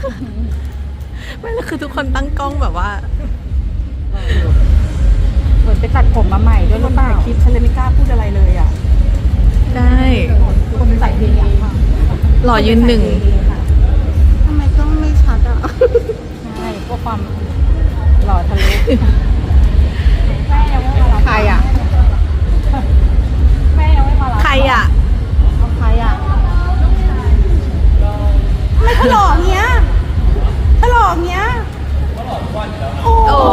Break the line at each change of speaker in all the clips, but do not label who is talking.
ไม่แล้วคือทุกคนตั้งกล้องแบบว่า
เหมือนไปตัดผมมาใหม่ด้วยหรือเปล่าคลิปฉันเลยไม่กล้าพูดอะไรเลยอ่ะ
ได้
คนใส่เพลงค่ะ
หล่อยืนหนึ่ง
ทำไมต้องไม่ชัดอ่ะ
ใช่พวกความหล่อทะลุใครอ่ะแม่ยังไม่มารับ
ใครอ่ะ
ใครอ่ะ
ไม่ถลอกเนี้ยถลอกเนี้ยโอ้
โอ้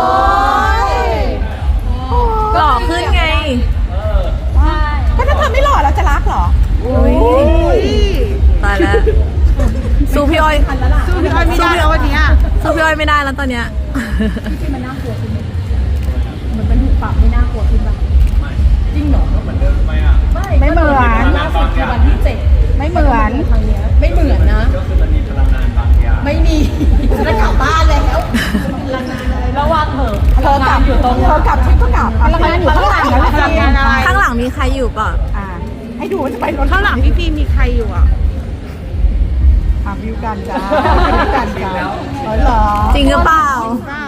หล่อขึ้นไง
ก็ถ้าเธอไม่หล่อเราจะรักเหรอ
อุ๊ย ตายแล้วสู้พี่อ้อย
สู้พี่อ้อยไม่ได้แล้ววันเนี้ย
สู้พี่อ้อยไม่ได้แล้วตอนเนี้ย
มันน่ากลัวขึ้นเหมือนมันถูกปรับไม่น่ากลัวขึ้นป่ะจริงเหรอเหมือนเดิมไหมอ่ะไม่เหมือนล่าสุดคือวันที่7ไม่เหมือนไม่เหมือนนะก็คือมันมีพลังงานบางอย่างไม่มีจะกลับบ้านแล้วระวังเถอะเธอกลับอยู่ตรงเธอกลับฉันก็กลับพลังงานอยู่ข้างหลังแล้วพลังงานอะไร
ข้างหลังมีใครอยู่เปล่ะ
ให้ดูว่าจะไปรถข้างหลังพี่พีมีใครอยู่อ่ะวิวกันจ้าวิวกันจ้าเหรอ
จริงหรือเปล่า
เปล่าร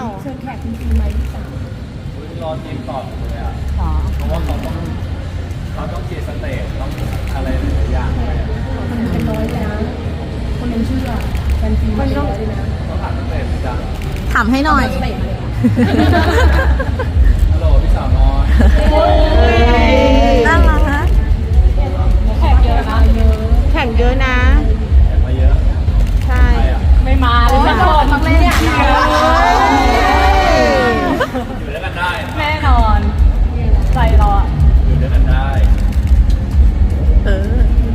อทีมตอบเลยอ่ะเพราะว่าเขาต้องเคลียร์สเตจต้องอะไรหลายอย่างเลย
เป็นร้อยเลยนะคนนั้นเชื่อแฟนฟิล์มเป็นร้อยเลยนะ
ต้องผ่านสเตจจ้ะ
ถามให้หน่อย
ฮัลโหลพี่สาวน้อย
น่ารักนะ
แขกเยอะนะ
แข่งเยอะนะ
แข่งมาเยอะ
ใช่
ใครอ่ะ
ไม่มาเลยแน่นอนทั้งเล่นเนี่ย
อยู่ด้วยกันได้
แน่นอนใจรอ
อยู่ด้วยกันได้
เออ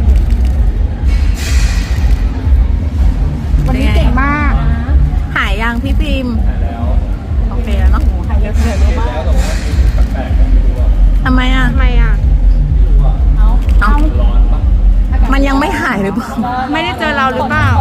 วันนี้เก่งมาก
หายยังพี่ฟิล์ม
หายแล้ว
โอเคแล้วเนาะ
หายเยอะเลย
เห็นแล้วแต่ว่าแปลกๆไม่รู้อ่ะ
ทำไมอ่ะ
ทำไมอ่ะ
ไม่รู้อ่ะ
เอา
เอ้า
ร้อนปะ
มันยังไม่หายหรือเปล่า
ไม่ได้เจอเราหรือเปล่า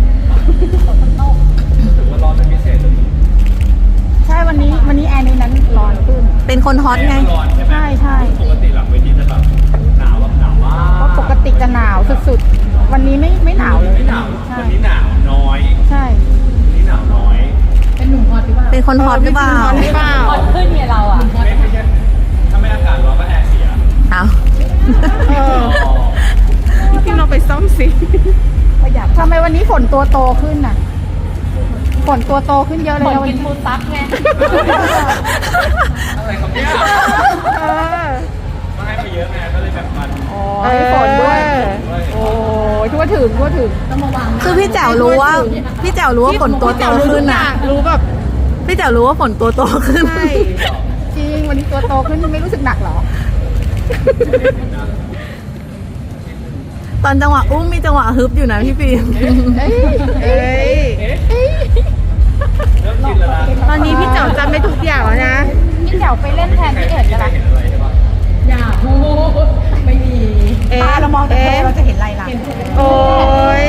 รู้สึกว่าร้อนเป็นพิเศษเลย
ใช่วันนี้แอร์ในนั้นร้อนขึ้น
เป็นคนฮอตไง
ร้อนใช่ไหม
ใช่
ปกติหลังเวทีจะแบบหนาวแบบหนาวมาก
เพราะปกติจะหนาวสุดๆ วันนี้ไม่หนาวเลย
ไม่หนาว
ใช่
วันนี้หนาวน้อย
ใช่
วันนี้หนาวน้อย
เป็นหนุ่มฮอตหรือเปล่า
เป็นคนฮอตหรือเปล่า
หรือเปล่า
ฮอตขึ้นไงเราอ่ะ
ไม่ใช่ถ้าไม่อากาศร้อนก็แอร์เสีย
เอา
เออพี่เราไปซ่อมสิ
ประหยัดทำไมวันนี้ฝนตัวโตขึ้นน่ะฝนตัวโตขึ้นเยอะเลยนะวันนี้ฟูซักไง
อะไรครับเนี่ย
เออ
มาให้มาเยอะไงก็เลยแบบมัน
อ๋อให้ฝนด้วย
ด้วย
โอ้ยทั่วถึงต้องมาวาง
คือพี่แจ๋วรู้ว่าฝนตัวโตขึ้นอ่ะ
รู้แบบ
พี่แจ๋วรู้ว่าฝนตัวโตขึ้น
ใช่
จริงวันนี้ตัวโตขึ้นไม่รู้สึกหนักเหรอ
ตอนจังหวะอุ้มมีจังหวะฮึบอยู่นะพี่ฟิล์ม
เอ้ย
เอ้ย
เริ่มชินแล้วนะ
ตอนนี้พี่เจ๋อจำได้ทุกอย่างแล้วนะ
นี่แถวไปเล่นแทนพี่เอ็ด
ใคร
กันละ
เห็นอะไรใช่ปะ
อย่าพูดไม่มี
ตาเรามองแต่เราจะเห็นอะไรล่ะ โอ้ย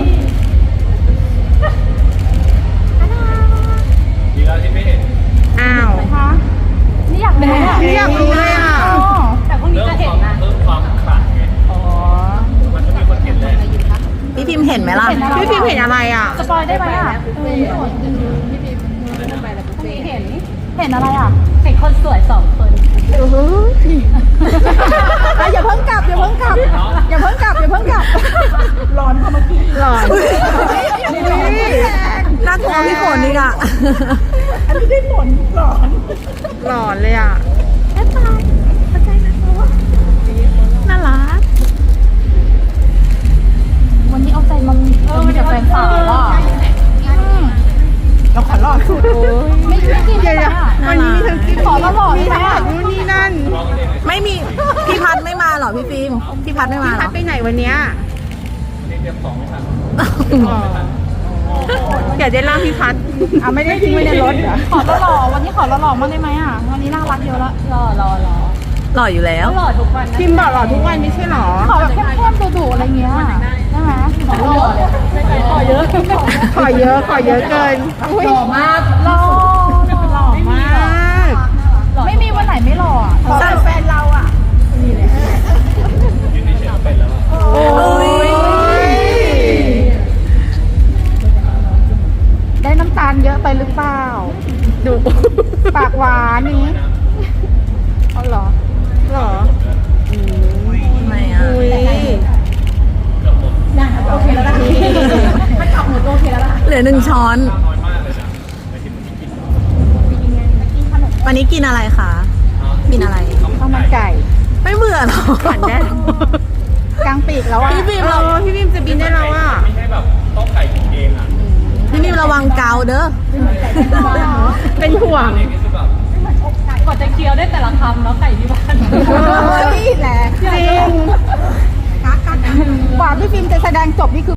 ดีแล้วที่ไม่เห็น
อ้าว
คะนี่อยากรู้อ่ะ
นี่อยากรู้เลยอ่ะ
แต่พรุ่งนี้
เริ่ม
จะ
ค
เห็น
วาม
นะ
เริ่มความขลังไง
อ๋อ
มันจะมีคนเห็นแหละ
พี่พิมพ์เห็นไหมล่ะ
พี่พิมเห็นอะไรอ่ะ
สปอยได้ไหมอ่ะพรุ่งนี้เห็นอะไรอ่ะเห็นคนสวย2 คนอย่าเพิ่งกลับร้อนพอเมื่อกี้
หลอน
น่ากลัวพี่ฝนนี่อ่ะ
อันนี้ได้ผลหลอนเลยอ่ะ
น่ารัก
วันนี้เอาใจมันมีแต่แฟนสาวอ่ะ
เราขอหลอดสุด
ไม่กิน
เดี๋ยว
อ่ะ
วันนี้มีทั้งกิน
ขอมาบอกได้ไหมอ่ะ
นู่นนี่นั่น
ไม่มีพี่พัดไม่มาเหรอพี่ฟิล์มพี่พัดไม่มาเหร
พั
อ
ดไปไหนวันเนี้ย
เรียกของไม่ทัน
เดี๋ยวได้ล่ามพี่พัด
อ่ะไม่ได้ทิ้งไว้ในรถเหรอขอหล่อวันนี้ขอหล่อมาได้ไหมอ่ะวันนี้น่ารักเยอะละหล่อ
หล่ออยู่แล้ว
หล่อทุกวัน
พิมพ์บอกหลอดทุกวันไม่ใช่หรอ
ขอแบบเข้มๆดุๆอะไรเงี้ยได้ไหมขอหล่อเลยขอเยอะ
ขอเยอะเกิน
หล่อมากหล่อ
มาก
ไม่มีวันไหนไม่หล่ออ่ะ
แต่แฟนเราอ่ะ
ยืนเฉยๆก็เป็นแล้วอะ
โอ้ยานเยอะไปหรือเปล่า
ดู
ปากหวานนี้เอาเหรอ
หรอทำไมอ่ะ
โอเคแล้วล่ะถ้ากลับหมดโอเคแล้วล่ะ
เหลือ1 ช้อน
น้อยมากเลยนะไปที่มันกิน
วันนี้กินอะไรคะ กินอะไร
ข้าวมันไก่
ไม่เบื่อหรอขันแน่
กลางปีกแล้วอ่ะ
พี่บีมเราพี่บีมจะบินได้แล้วอ่ะ
ไม่ใช่แบบต้มไก่กินเองอ่ะ
พี่บีมระวังเกาเด้อ เป็นห่วง
เองนี่คือแบบ
กว่าจะเคี้ยวได้แต่ละคำแล้วไก่ที่บ้าน
เฮ้ยแหละจริงกว่าพี่ฟิล์มจะแสดงจบนี่คือ